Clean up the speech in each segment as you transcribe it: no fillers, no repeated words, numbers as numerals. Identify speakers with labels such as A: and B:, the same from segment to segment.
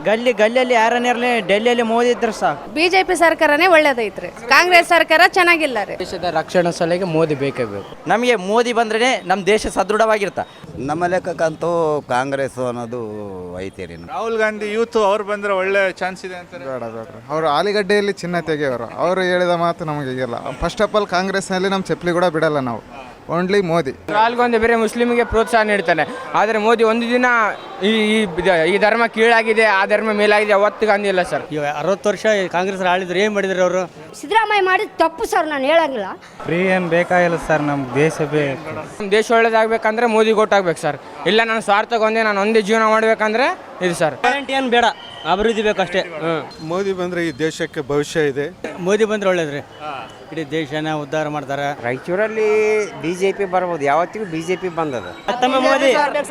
A: ಗಲ್ಲಿಯಲ್ಲಿ ಯಾರನ್ನ ಇರಲಿ ಡೆಲ್ಲಿಯಲ್ಲಿ ಮೋದಿ ಇದ್ರೆ ಸಾಕು.
B: ಬಿಜೆಪಿ ಸರ್ಕಾರನೇ ಒಳ್ಳೇದೈತ್ರಿ, ಕಾಂಗ್ರೆಸ್ ಸರ್ಕಾರ ಚೆನ್ನಾಗಿಲ್ಲ ರೀ.
A: ದೇಶದ ರಕ್ಷಣಾ ಸಲಹೆಗೆ ಮೋದಿ ಬೇಕೇ ಬೇಕು. ನಮಗೆ ಮೋದಿ ಬಂದ್ರೆ ನಮ್ಮ ದೇಶ ಸದೃಢವಾಗಿರ್ತ.
C: ನಮ್ಮ ಲೆಕ್ಕಕ್ಕಂತೂ ಕಾಂಗ್ರೆಸ್ ಅನ್ನೋದು ಐತೆ ರೀ.
D: ರಾಹುಲ್ ಗಾಂಧಿ ಯೂತ್ ಅವ್ರು ಬಂದ್ರೆ ಒಳ್ಳೆ ಚಾನ್ಸ್ ಇದೆ ಅಂತಾರೆ.
E: ಬೇಡ್ರಿ, ಅವರು ಆಲಿಗಡ್ಡೆಯಲ್ಲಿ ಚಿನ್ನ ತೆಗೆಯವರು. ಅವರು ಹೇಳಿದ ಮಾತು ನಮಗೆ ಈಗಲ್ಲ. ಫಸ್ಟ್ ಆಫ್ ಆಲ್ ಕಾಂಗ್ರೆಸ್ನಲ್ಲಿ ನಮ್ಮ ಚಪ್ಪಲಿ ಕೂಡ ಬಿಡಲ್ಲ ನಾವು, ಓನ್ಲಿ ಮೋದಿ.
F: ರಾಹುಲ್ ಗಾಂಧಿ ಬೇರೆ ಮುಸ್ಲಿಮ್ಗೆ ಪ್ರೋತ್ಸಾಹ ನೀಡ್ತಾನೆ, ಆದರೆ ಮೋದಿ ಒಂದು ದಿನ ಈ ಧರ್ಮ ಕೀಳಾಗಿದೆ ಆ ಧರ್ಮ ಮೇಲಾಗಿದೆ ಅವತ್ತು ಗಾಂಧಿ ಇಲ್ಲ ಸರ್.
A: 60 ವರ್ಷ ಕಾಂಗ್ರೆಸ್ ಆಳಿದ್ರು, ಏನು ಮಾಡಿದ್ರು ಅವರು?
G: ಸಿದ್ದರಾಮಯ್ಯ ಮಾಡಿದ ತಪ್ಪು ಸರ್, ನಾನು ಹೇಳಂಗಿಲ್ಲ.
E: ಫ್ರೀ ಏನು ಬೇಕಾಗಿಲ್ಲ ಸರ್, ನಮ್ಮ ದೇಶ ಬೇಕು.
F: ನಮ್ಮ ದೇಶ ಒಳ್ಳೇದಾಗಬೇಕಂದ್ರೆ ಮೋದಿ ಗೊತ್ತಾಗ್ಬೇಕು ಸರ್. ಇಲ್ಲ ನಾನು ಸ್ವಾರ್ಥಗೊಂದೇ ನಾನು ಒಂದೇ ಜೀವನ ಮಾಡಬೇಕಂದ್ರೆ ಇದು ಸರ್.
A: ಗ್ಯಾರಂಟಿ ಏನು ಬೇಡ, ಅಭಿವೃದ್ಧಿ ಬೇಕಷ್ಟೇ.
E: ಮೋದಿ ಬಂದರೆ ಈ ದೇಶಕ್ಕೆ ಭವಿಷ್ಯ ಇದೆ.
A: ಮೋದಿ ಬಂದ್ರೆ ಒಳ್ಳೇದ್ರಿ, ಇಡೀ ದೇಶನ ಉದ್ಧಾರ ಮಾಡ್ತಾರೆ.
H: ರಾಯಚೂರಲ್ಲಿ ಬಿಜೆಪಿ ಬರ್ಬೋದು, ಯಾವತ್ತಿಗೂ ಬಿಜೆಪಿ ಬಂದದ.
A: ಮತ್ತೊಮ್ಮೆ ಮೋದಿ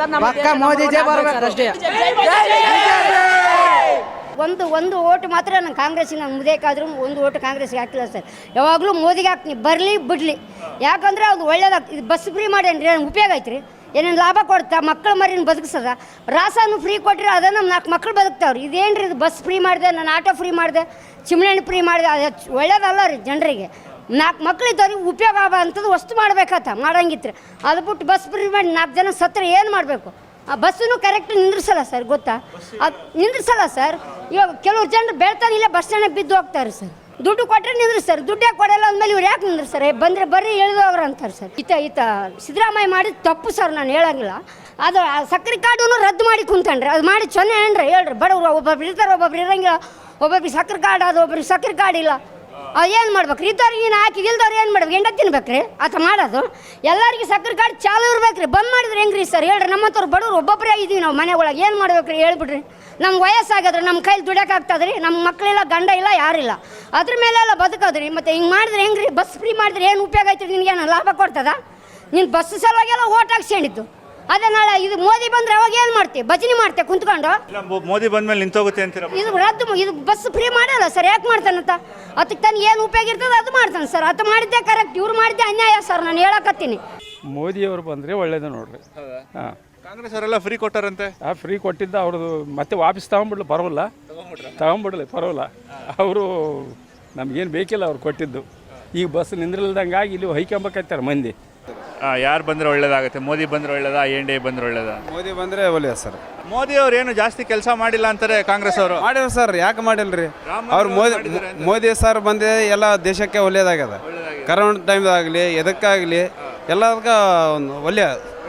G: ಒಂದು ಓಟ್ ಮಾತ್ರ ನಾನು ಕಾಂಗ್ರೆಸ್ಸಿಗೆ, ನಾನು ಮುದೇಕಾದ್ರೂ ಒಂದು ಓಟ್ ಕಾಂಗ್ರೆಸ್ಗೆ ಹಾಕಿಲ್ಲ ಸರ್. ಯಾವಾಗಲೂ ಮೋದಿಗೆ ಹಾಕ್ತೀನಿ, ಬರಲಿ ಬಿಡಲಿ. ಯಾಕಂದರೆ ಅದು ಒಳ್ಳೇದಾಗ್ತದೆ. ಇದು ಬಸ್ ಫ್ರೀ ಮಾಡೇನ್ರಿ, ಉಪಯೋಗ ಐತ್ರಿ, ಏನೇನು ಲಾಭ ಕೊಡ್ತಾ, ಮಕ್ಕಳ ಮರಿನ ಬದುಕಿಸದ. ರಾಸಾನು ಫ್ರೀ ಕೊಟ್ಟರೆ ಅದ ನಮ್ಮ 4 ಮಕ್ಕಳು ಬದುಕ್ತಾವ್ರಿ. ಇದೇನು ಇದು ಬಸ್ ಫ್ರೀ ಮಾಡಿದೆ, ನಾನು ಆಟೋ ಫ್ರೀ ಮಾಡಿದೆ, ಚಿಮಣಿ ಫ್ರೀ ಮಾಡಿದೆ, ಅದು ಒಳ್ಳೇದಲ್ಲ ರೀ. ಜನರಿಗೆ 4 ಮಕ್ಳು ಇದ್ದವ್ರಿಗೆ ಉಪಯೋಗ ಆಗೋ ಅಂಥದ್ದು ವಸ್ತು ಮಾಡ್ಬೇಕತ್ತ, ಮಾಡಂಗಿತ್ತು. ಅದು ಬಿಟ್ಟು ಬಸ್ ಫ್ರೀ ಮಾಡಿ 4 ಜನ ಸತ್ತರೆ ಏನು ಮಾಡಬೇಕು? ಆ ಬಸ್ಸನ್ನು ಕರೆಕ್ಟ್ ನಿಂದ್ರಿಸಲ್ಲ ಸರ್, ಗೊತ್ತಾ? ಅದು ನಿಂದ್ರಿಸಲ್ಲ ಸರ್. ಇವಾಗ ಕೆಲವ್ರು ಜನರು ಬೆಳ್ತಾನೆ ಇಲ್ಲ, ಬಸ್ ಸ್ಟ್ಯಾಂಡಿಗೆ ಬಿದ್ದು ಹೋಗ್ತಾರೆ ಸರ್. ದುಡ್ಡು ಕೊಟ್ಟರೆ ನಿಂದ್ರಿಸ್ತಾರೆ, ದುಡ್ಡು ಯಾಕೆ ಕೊಡಲ್ಲ ಅಂದಮೇಲೆ ಇವ್ರು ಯಾಕೆ ನಿಂದ್ರಿಸ್ತಾರೆ? ಬಂದರೆ ಬರ್ರಿ ಎಳೆದೋಗ್ರ ಅಂತಾರೆ ಸರ್. ಈತ ಸಿದ್ದರಾಮಯ್ಯ ಮಾಡಿದ ತಪ್ಪು ಸರ್, ನಾನು ಹೇಳಂಗಿಲ್ಲ. ಅದು ಸಕ್ಕರೆ ಕಾರ್ಡನ್ನು ರದ್ದು ಮಾಡಿ ಕುಂತನ್ರಿ, ಅದು ಮಾಡಿ ಚೆನ್ನ ಏನ್ರಿ ಹೇಳ್ರಿ. ಬಡವರು ಒಬ್ಬೊಬ್ರು ಇರ್ತಾರೆ, ಒಬ್ಬೊಬ್ರು ಇರಂಗಿಲ್ಲ. ಒಬ್ಬೊಬ್ರಿಗೆ ಸಕ್ಕರೆ ಕಾರ್ಡ್ ಅದು, ಒಬ್ರಿಗೆ ಸಕ್ಕರೆ ಕಾರ್ಡ್ ಇಲ್ಲ. ಏನು ಮಾಡ್ಬೇಕ್ರಿ? ಇದ್ದವ್ರಿಗೆ ಏನು ಹಾಕಿ ಇಲ್ದವ್ರು ಏನು ಮಾಡ್ಬೇಕು? ಎಂಡ ತಿನ್ಬೇಕ್ರಿ ಆತ ಮಾಡೋದು. ಎಲ್ಲರಿಗೆ ಸಕ್ಕರೆ ಕಾರ್ಡ್ ಚಾಲು ಇರ್ಬೇಕ್ರಿ. ಬಂದ್ ಮಾಡಿದ್ರೆ ಹೆಂಗ್ರಿ ಸರ್ ಹೇಳ್ರಿ? ನಮ್ಮಂಥವ್ರು ಬಡವ್ರು ಒಬ್ಬೊಬ್ಬರೇ ಆಗಿದ್ದೀವಿ ನಾವು ಮನೆ ಒಳಗೆ. ಏನು ಮಾಡ್ಬೇಕ್ರಿ ಹೇಳ್ಬಿಡ್ರಿ? ನಮ್ಗೆ ವಯಸ್ಸಾಗದ್ರಿ, ನಮ್ಮ ಕೈಲಿ ದುಡಿಯೋಕ್ಕಾಗ್ತದ್ರಿ? ನಮ್ಮ ಮಕ್ಕಳಿಲ್ಲ, ಗಂಡ ಇಲ್ಲ, ಯಾರಿಲ್ಲ. ಅದ್ರ ಮೇಲೆಲ್ಲ ಬದುಕೋದ್ರಿ. ಮತ್ತು ಹಿಂಗೆ ಮಾಡಿದ್ರೆ ಹೆಂಗ್ರಿ? ಬಸ್ ಫ್ರೀ ಮಾಡಿದ್ರೆ ಏನು ಉಪಯೋಗ ಐತ್ರಿ? ನಿನಗೇನು ಲಾಭ ಕೊಡ್ತದ? ನೀನು ಬಸ್ ಸಲುವಾಗೆಲ್ಲ ಓಟ್ ಹಾಕ್ಸ್ಕೊಂಡಿದ್ದು. ಅದೇ ನಾಳೆ ಇದು ಮೋದಿ ಬಂದ್ರೆ ಅವಾಗ ಏನು ಮಾಡ್ತೀವಿ? ಭಜನೆ ಮಾಡ್ತೇವೆ ಕುಂತ್ಕೊಂಡು.
D: ಮೋದಿ ಬಂದ್ಮೇಲೆ ನಿಂತೋಗುತ್ತೆ ಅಂತೀರ?
G: ಇದು ರದ್ದು, ಇದು ಬಸ್ ಫ್ರೀ ಮಾಡಲ್ಲ ಸರ್. ಯಾಕೆ ಮಾಡ್ತಾನಂತ? ಅದಕ್ಕೆ ತನಗೆ ಏನು ಉಪಯೋಗ ಇರ್ತದೆ ಅದು ಮಾಡ್ತಾನೆ ಸರ್. ಅದು ಮಾಡಿದ್ದೆ ಕರೆಕ್ಟ್, ಇವ್ರು ಮಾಡಿದ್ದೆ ಅನ್ಯಾಯ ಸರ್, ನಾನು ಹೇಳಕತ್ತೀನಿ.
I: ಮೋದಿಯವರು ಬಂದರೆ ಒಳ್ಳೇದು ನೋಡ್ರಿ. ಹಾಂ,
D: ಕಾಂಗ್ರೆಸ್ ಅವರೆಲ್ಲ ಫ್ರೀ ಕೊಟ್ಟಾರಂತೆ.
I: ಫ್ರೀ ಕೊಟ್ಟಿದ್ದ ಅವ್ರದ್ದು ಮತ್ತೆ ವಾಪಸ್ ತಗೊಂಬಿಡ್ಲಿ ಪರವಲ್ಲ, ತಗೊಂಬಿಡ್ಲಿ ಪರವಲ್ಲ. ಅವರು ನಮಗೇನು ಬೇಕಿಲ್ಲ ಅವ್ರು ಕೊಟ್ಟಿದ್ದು. ಈಗ ಬಸ್ ನಿಂದ್ರಿಲ್ದಂಗಾಗಿ ಇಲ್ಲಿ ಹೊಯ್ಕೊಂಬಕೈತಾರೆ ಮಂದಿ.
D: ಯಾರು ಬಂದರೆ ಒಳ್ಳೇದಾಗುತ್ತೆ? ಮೋದಿ ಬಂದರೆ ಒಳ್ಳೇದಾ, NDA ಬಂದರೆ ಒಳ್ಳೇದಾ?
E: ಮೋದಿ ಬಂದರೆ ಒಳ್ಳೆಯದು ಸರ್.
D: ಮೋದಿ ಅವ್ರು ಏನು ಜಾಸ್ತಿ ಕೆಲಸ ಮಾಡಿಲ್ಲ ಅಂತಾರೆ ಕಾಂಗ್ರೆಸ್ ಅವರು.
E: ಮಾಡಿಲ್ಲ ಸರ್, ಯಾಕೆ ಮಾಡಿಲ್ರಿ? ಅವ್ರು ಮೋದಿ ಸರ್ ಬಂದೆ ಎಲ್ಲ ದೇಶಕ್ಕೆ ಒಳ್ಳೇದಾಗ್ಯದ. ಕರೋನಾ ಟೈಮ್ದಾಗಲಿ ಎದಕ್ಕಾಗಲಿ ಎಲ್ಲದಕ್ಕೆ ಒಂದು ಒಳ್ಳೆಯ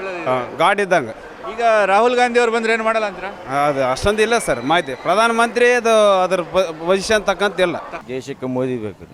E: ಗಾಡ್ ಇದ್ದಂಗೆ.
D: ಈಗ ರಾಹುಲ್ ಗಾಂಧಿ ಅವ್ರು ಬಂದ್ರೆ ಏನು ಮಾಡಲ್ಲ ಅಂತೀರಾ?
E: ಅದು ಅಷ್ಟೊಂದು ಇಲ್ಲ ಸರ್ ಮಾಹಿತಿ. ಪ್ರಧಾನಮಂತ್ರಿ ಅದು ಅದ್ರ ಪೊಸಿಷನ್ ತಕ್ಕಂತಿಲ್ಲ.
C: ದೇಶಕ್ಕೆ ಮೋದಿ ಬೇಕು.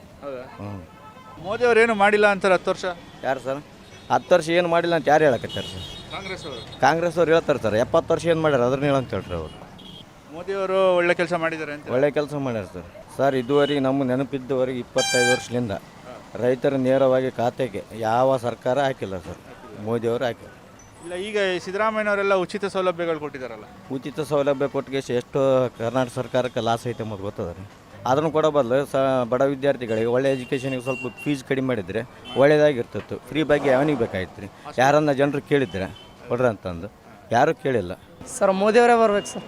D: ಮೋದಿ ಅವ್ರು ಏನು ಮಾಡಿಲ್ಲ ಅಂತಾರೆ 10 ವರ್ಷ.
H: ಯಾರು ಸರ್ 10 ವರ್ಷ ಏನು ಮಾಡಿಲ್ಲ ಅಂತ ಯಾರು ಹೇಳಕತ್ತಾರೆ ಸರ್? ಕಾಂಗ್ರೆಸ್ ಅವ್ರು ಹೇಳ್ತಾರೆ ಸರ್. 70 ವರ್ಷ ಏನು ಮಾಡ್ಯಾರ ಅದನ್ನ ಹೇಳಂತ ಹೇಳ್ರಿ ಅವರು.
D: ಮೋದಿ ಅವರು ಒಳ್ಳೆ ಕೆಲಸ ಮಾಡಿದ್ದಾರೆ ಅಂತ.
H: ಒಳ್ಳೆ ಕೆಲಸ ಮಾಡ್ಯಾರ ಸರ್. ಇದುವರೆಗೆ ನಮ್ಮ ನೆನಪಿದ್ದವರೆಗೆ 25 ವರ್ಷದಿಂದ ರೈತರ ನೇರವಾಗಿ ಖಾತೆಗೆ ಯಾವ ಸರ್ಕಾರ ಹಾಕಿಲ್ಲ ಸರ್. ಮೋದಿಯವರು ಹಾಕಿಲ್ಲ.
D: ಇಲ್ಲ, ಈಗ ಸಿದ್ದರಾಮಯ್ಯನವರೆಲ್ಲ ಉಚಿತ ಸೌಲಭ್ಯಗಳು ಕೊಟ್ಟಿದ್ದಾರಲ್ಲ.
H: ಉಚಿತ ಸೌಲಭ್ಯ ಕೊಟ್ಟಿಗೆ ಎಷ್ಟು ಕರ್ನಾಟಕ ಸರ್ಕಾರಕ್ಕೆ ಲಾಸ್ ಐತೆ ಮತ್ತು ಗೊತ್ತದ ರೀ. ಅದನ್ನು ಕೊಡೋ ಬದಲು ಬಡ ವಿದ್ಯಾರ್ಥಿಗಳಿಗೆ ಒಳ್ಳೆ ಎಜುಕೇಷನಿಗೆ ಸ್ವಲ್ಪ ಫೀಸ್ ಕಡಿಮೆ ಮಾಡಿದರೆ ಒಳ್ಳೆಯದಾಗಿರ್ತಿತ್ತು. ಫ್ರೀ ಬಗ್ಗೆ ಯಾವನಿಗೆ ಬೇಕಾಯ್ತು ರೀ? ಯಾರನ್ನ ಜನರು ಕೇಳಿದ್ರೆ ಕೊಡ್ರಿ ಅಂತಂದು ಯಾರೂ ಕೇಳಿಲ್ಲ
A: ಸರ್. ಮೋದಿಯವರೇ ಬರ್ಬೇಕು ಸರ್,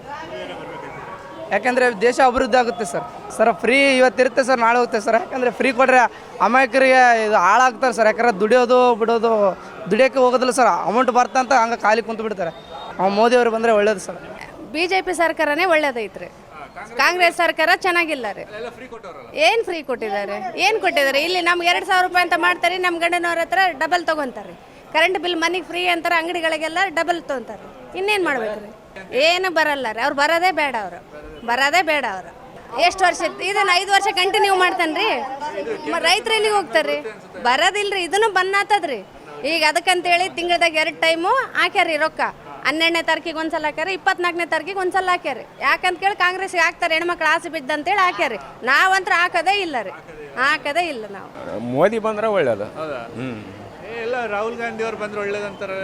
A: ಯಾಕಂದರೆ ದೇಶ ಅಭಿವೃದ್ಧಿ ಆಗುತ್ತೆ ಸರ್. ಫ್ರೀ ಇವತ್ತಿರುತ್ತೆ ಸರ್, ನಾಳೆ ಹೋಗುತ್ತೆ ಸರ್. ಯಾಕಂದರೆ ಫ್ರೀ ಕೊಟ್ಟರೆ ಅಮಾಯಕರಿಗೆ ಇದು ಹಾಳಾಗ್ತಾರೆ ಸರ್. ಯಾಕಂದರೆ ದುಡಿಯೋದು ಬಿಡೋದು, ದುಡಿಯೋಕ್ಕೆ ಹೋಗೋದಿಲ್ಲ ಸರ್. ಅಮೌಂಟ್ ಬರ್ತಂತ ಹಂಗೆ ಖಾಲಿ ಕುಂತು ಬಿಡ್ತಾರೆ. ಮೋದಿಯವರು ಬಂದರೆ ಒಳ್ಳೇದು ಸರ್.
B: ಬಿಜೆಪಿ ಸರ್ಕಾರನೇ ಒಳ್ಳೇದೈತ್ರಿ, ಕಾಂಗ್ರೆಸ್ ಸರ್ಕಾರ ಚೆನ್ನಾಗಿಲ್ಲ ರೀ. ಏನು ಫ್ರೀ ಕೊಟ್ಟಿದ್ದಾರೆ? ಏನು ಕೊಟ್ಟಿದ್ದಾರೆ? ಇಲ್ಲಿ ನಮ್ಗೆ 2,000 ರೂಪಾಯಿ ಅಂತ ಮಾಡ್ತಾರೆ, ನಮ್ಮ ಗಂಡನವ್ರ ಹತ್ರ ಡಬಲ್ ತೊಗೊತಾರೆ. ಕರೆಂಟ್ ಬಿಲ್ ಮನೆಗೆ ಫ್ರೀ ಅಂತಾರೆ, ಅಂಗಡಿಗಳಿಗೆಲ್ಲ ಡಬಲ್ ತೊಗೊತಾರೆ. ಇನ್ನೇನು ಮಾಡ್ಬೇಕು ರೀ? ಏನು ಬರಲ್ಲ ರೀ. ಅವ್ರು ಬರೋದೇ ಬೇಡ, ಅವರು ಎಷ್ಟು ವರ್ಷ ಇದನ್ನು 5 ವರ್ಷ ಕಂಟಿನ್ಯೂ ಮಾಡ್ತಾನೆ ರೀ. ರೈತರು ಎಲ್ಲಿಗೆ ಹೋಗ್ತಾರೆ ರೀ? ಬರೋದಿಲ್ಲ ರೀ. ಇದನ್ನು ಬಂದಾತದ್ರಿ. ಈಗ ಅದಕ್ಕಂತೇಳಿ ತಿಂಗಳದಾಗ 2 ಟೈಮು ಹಾಕ್ಯಾರಿ ರೊಕ್ಕ. 12ನೇ ತಾರೀಕಿಗೆ ಒಂದ್ಸಲ ಹಾಕ್ಯಾರ, 24ನೇ ತಾರೀಕಿಗೆ ಒಂದ್ಸಲ ಹಾಕ್ಯಾರಿ. ಯಾಕಂತ ಕೇಳಿ ಕಾಂಗ್ರೆಸ್ಗೆ ಹಾಕ್ತಾರೆ, ಹೆಣ್ಮಕ್ಳು ಆಸೆ ಬಿದ್ದಂತೇಳಿ ಹಾಕ್ಯಾರಿ. ನಾವಂತ್ರ ಹಾಕೋದೇ ಇಲ್ಲ ರೀ, ಹಾಕೋದೇ ಇಲ್ಲ ನಾವು.
I: ಮೋದಿ ಬಂದರೆ ಒಳ್ಳೇದು.
D: ಎಲ್ಲ ರಾಹುಲ್ ಗಾಂಧಿ ಅವ್ರು ಬಂದ್ರೆ ಒಳ್ಳೇದಂತಾರೆ.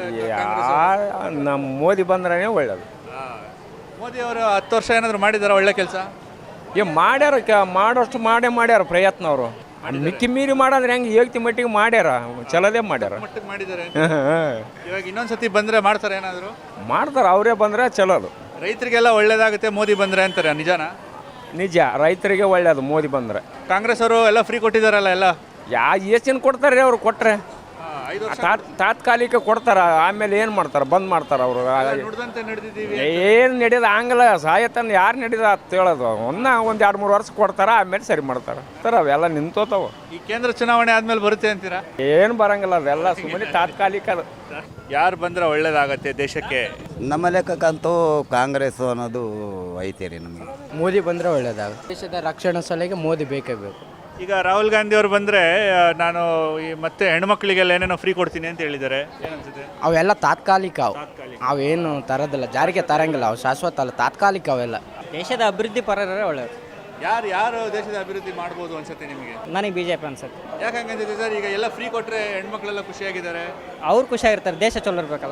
I: ನಮ್ಮ ಮೋದಿ ಬಂದ್ರೆ ಒಳ್ಳೇದು.
D: ಮೋದಿ ಅವರು 10 ವರ್ಷ ಏನಾದ್ರು ಮಾಡಿದಾರ ಒಳ್ಳೆ ಕೆಲಸ?
I: ಮಾಡ್ಯಾರ, ಮಾಡೋಷ್ಟು ಮಾಡ್ಯಾರ ಪ್ರಯತ್ನ. ಅವರು ಮಿಕ್ಕಿ ಮೀರಿ ಮಾಡೋದ್ರೆ ಹೆಂಗೆ ಏಕ್ತಿ ಮಟ್ಟಿಗೆ ಮಾಡ್ಯಾರ, ಚಲೋದೇ ಮಾಡ್ಯಾರ.
D: ಮಾಡಿದ್ದಾರೆ. ಇವಾಗ ಇನ್ನೊಂದ್ಸತಿ ಬಂದ್ರೆ ಮಾಡ್ತಾರೆ, ಏನಾದ್ರು
I: ಮಾಡ್ತಾರೆ. ಅವರೇ ಬಂದರೆ ಚಲೋದು.
D: ರೈತರಿಗೆಲ್ಲ ಒಳ್ಳೇದಾಗುತ್ತೆ ಮೋದಿ ಬಂದರೆ ಅಂತಾರೆ, ನಿಜಾನಾ?
F: ನಿಜ, ರೈತರಿಗೆ ಒಳ್ಳೇದು ಮೋದಿ ಬಂದರೆ.
D: ಕಾಂಗ್ರೆಸ್ ಅವರು ಎಲ್ಲ ಫ್ರೀ ಕೊಟ್ಟಿದ್ದಾರಲ್ಲ ಎಲ್ಲ.
F: ಎಷ್ಟು ಕೊಡ್ತಾರೆ ಅವ್ರು ಕೊಟ್ಟರೆ?
D: 5 ವರ್ಷ
F: ತಾತ್ಕಾಲಿಕ ಕೊಡ್ತಾರ, ಆಮೇಲೆ ಏನು ಮಾಡ್ತಾರೆ? ಬಂದ್ ಮಾಡ್ತಾರೆ ಅವರು.
D: ನುಡಿದಂತೆ ನಡೆದಿದ್ದೀವಿ.
F: ಏನು ನಡೆಯೋದು ಹಂಗಲ್ಲ, ಸಾಯತನ ಯಾರು ನಡೆದ ಅಂತ ಹೇಳೋದು. ಒಂದು 2-3 ವರ್ಷ ಕೊಡ್ತಾರ, ಆಮೇಲೆ ಸರಿ ಮಾಡ್ತಾರೆ. ಅವೆಲ್ಲ ನಿಂತೋತಾವ.
D: ಈ ಕೇಂದ್ರ ಚುನಾವಣೆ ಆದ್ಮೇಲೆ ಬರುತ್ತೆ ಅಂತೀರಾ?
F: ಏನು ಬರಂಗಿಲ್ಲ, ಅದೆಲ್ಲ ಸುಮ್ಮನೆ ತಾತ್ಕಾಲಿಕ. ಅದು
D: ಯಾರು ಬಂದರೆ ಒಳ್ಳೇದಾಗತ್ತೆ ದೇಶಕ್ಕೆ?
C: ನಮ್ಮ ಲೆಕ್ಕಕ್ಕಂತೂ ಕಾಂಗ್ರೆಸ್ ಅನ್ನೋದು ಐತೆ ರೀ ನಮಗೆ.
A: ಮೋದಿ ಬಂದರೆ ಒಳ್ಳೇದಾಗುತ್ತೆ. ದೇಶದ ರಕ್ಷಣಾ ಸಲಹೆಗೆ ಮೋದಿ ಬೇಕೇ ಬೇಕು.
D: ಈಗ ರಾಹುಲ್ ಗಾಂಧಿ ಅವರು ಬಂದರೆ ನಾನು ಮತ್ತೆ ಹೆಣ್ಮಕ್ಳಿಗೆಲ್ಲ ಏನೇನೋ ಫ್ರೀ ಕೊಡ್ತೀನಿ ಅಂತ ಹೇಳಿದ್ದಾರೆ, ಏನನ್ಸುತ್ತೆ?
A: ಅವೆಲ್ಲ ತಾತ್ಕಾಲಿಕ, ಅವೇನು ತರೋದಿಲ್ಲ, ಜಾರಿಗೆ ತರಂಗಿಲ್ಲ, ಅವು ಶಾಶ್ವತ ಅಲ್ಲ, ತಾತ್ಕಾಲಿಕ ಅವೆಲ್ಲ.
J: ದೇಶದ ಅಭಿವೃದ್ಧಿ ಪರರೇ ಒಳ್ಳೆಯದು.
D: ಯಾರು ದೇಶದ ಅಭಿವೃದ್ಧಿ ಮಾಡ್ಬೋದು ಅನ್ಸುತ್ತೆ ನಿಮಗೆ?
J: ನನಗೆ BJP ಅನ್ಸುತ್ತೆ.
D: ಯಾಕೆ ಹಂಗಂತಿದೆ ಸರ್? ಈಗ ಎಲ್ಲ ಫ್ರೀ ಕೊಟ್ಟರೆ ಹೆಣ್ಮಕ್ಳೆಲ್ಲ ಖುಷಿಯಾಗಿದ್ದಾರೆ,
J: ಅವ್ರು ಖುಷಿಯಾಗಿರ್ತಾರೆ, ದೇಶ ಚಲೋ ಇರಬೇಕಲ್ಲ.